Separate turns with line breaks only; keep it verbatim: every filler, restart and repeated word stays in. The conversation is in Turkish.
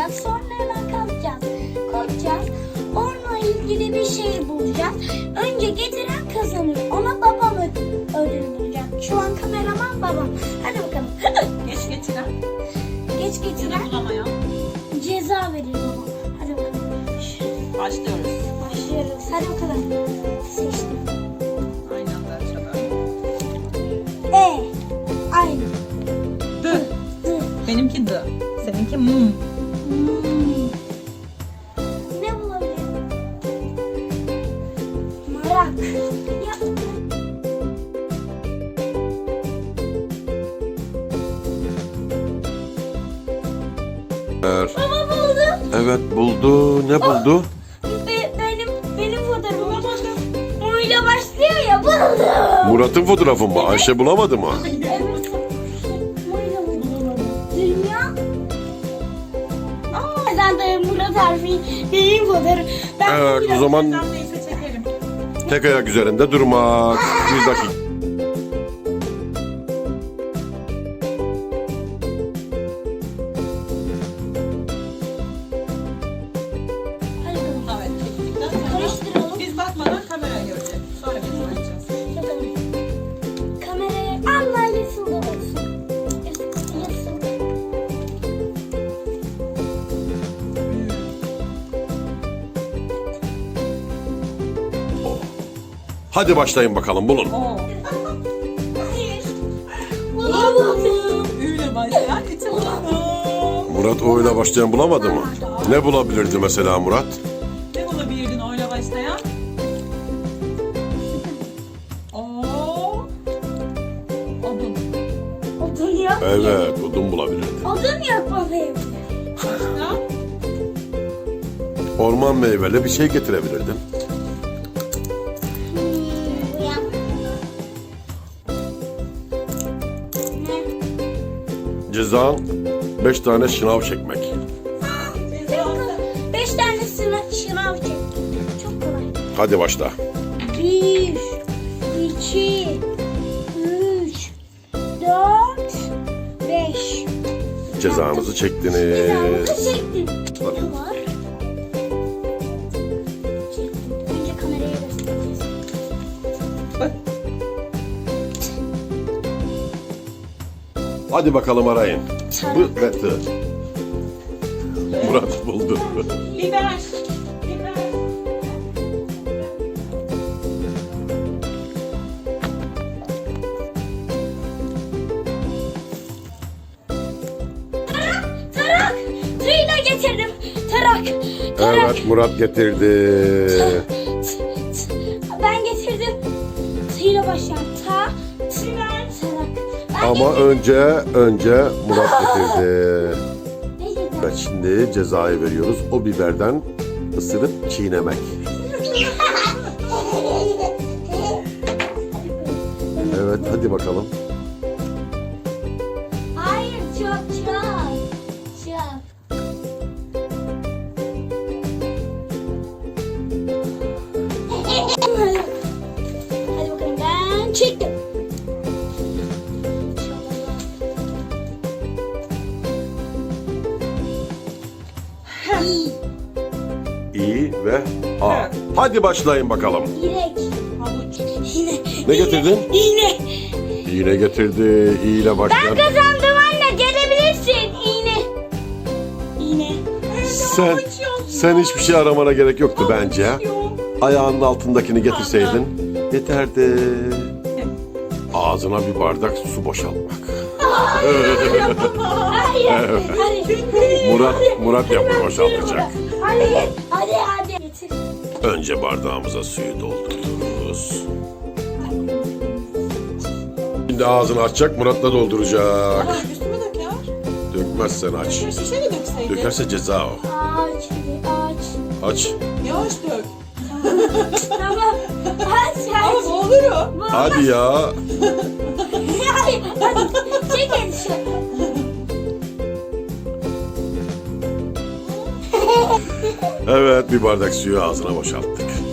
koyacağız. Sonra hemen kalkacağız. Koyacağız. Onunla ilgili bir şey bulacağız. Önce getiren kazanır. Ona babam ödül, ödül bulacak. Şu an kameraman babam. Hadi bakalım.
Geç getiren.
Geç
Ya da
getiren
bulamayan.
ceza verir babam. Hadi bakalım.
Başlıyoruz.
Başlıyoruz. Hadi bakalım. Seçtim.
Aynı anda açalım.
E. Aynı.
D.
D.
Benimki D. Seninki M.
Hmm. Ne bulabilirim? Marak. Ya. Baba buldu.
Evet buldu. Ne buldu?
Be- benim benim fotoğrafım. Oyla başlıyor ya buldu.
Murat'ın fotoğrafı mı? Ayşe bulamadı mı?
Evet. Oyla buldu. Dünya. Aa, sen de Murat harfi benim fotoğrafım. Ben
Evet o
Murat-
zaman
Sen neyse çekelim.
tek ayak üzerinde durmak. Bir dakika.
Hadi bakalım.
Evet çektikten sonra
Karıştıralım.
biz bakmadan kameraya göreceğiz. Sonra biz bakacağız.
Bakalım. Kameraya Allah yesin de olsun. Yesin, yesin.
Hadi başlayın bakalım bulun.
Oo.
Hayır. Bulamadım.
Ü ile başlayan içi bulalım.
Murat o ile başlayan bulamadı mı? Ne bulabilirdi mesela Murat?
Ne bulabilirdin o ile başlayan? Oo. Odun.
Odun yok.
Evet odun bulabilirdi.
Odun yok bakayım.
Başka?
Orman meyveli bir şey getirebilirdin.
Hmm, yap. Ne?
Cezan beş tane şınav çekmek.
Beş tanesini şınav çek. Çok kolay.
Hadi başla.
Bir, iki, üç, dört, beş.
Cezanızı çektiniz.
Cezamızı çektim. Ne var? Çektim. Önce kameraya göstereceğiz.
Hadi bakalım arayın. Bu ve tı. Murat buldu.
Biber. Biber.
Tarak! Tığla getirdim. Tarak. Tarak.
Evet Murat getirdi.
Ben getirdim. Tığla başlayan. Ta. Tarak. Ben
Ama önce önce Murat getirdi.
Ne dedim?
Evet şimdi cezayı veriyoruz. O biberden ısırıp çiğnemek. Evet hadi bakalım.
Hayır çok çok. Çok. Hadi bakalım ben çektim. İyi.
İ ve A. Hadi başlayın bakalım.
İrek.
Havuç.
İğne.
Ne getirdin?
İğne.
İğne getirdi. İ ile
Ben
başlayan.
kazandım anne. Gelebilirsin. İğne. İğne.
Sen, sen hiçbir şey aramana gerek yoktu bence.
Yok.
Ayağının altındakini getirseydin yeterdi. Ağzına bir bardak su boşaltmak.
Hayır. Hadi.
Murat Murat yapı boşaltacak.
Hadi. Hadi hadi. Getir.
Önce bardağımıza suyu doldururuz. Şimdi ağzını açacak, Murat'la dolduracak.
Ama üstüme döker.
Dökmezsen aç.
Bir şişe mi dökseydi?
Dökerse ceza o.
Aç. Hadi aç.
Aç.
Yavaş dök.
Tamam. Aç
Ama
aç.
boğulurum.
Hadi ya.
Hayır. Hadi. Çek elini.
Evet bir bardak suyu ağzına boşalttık.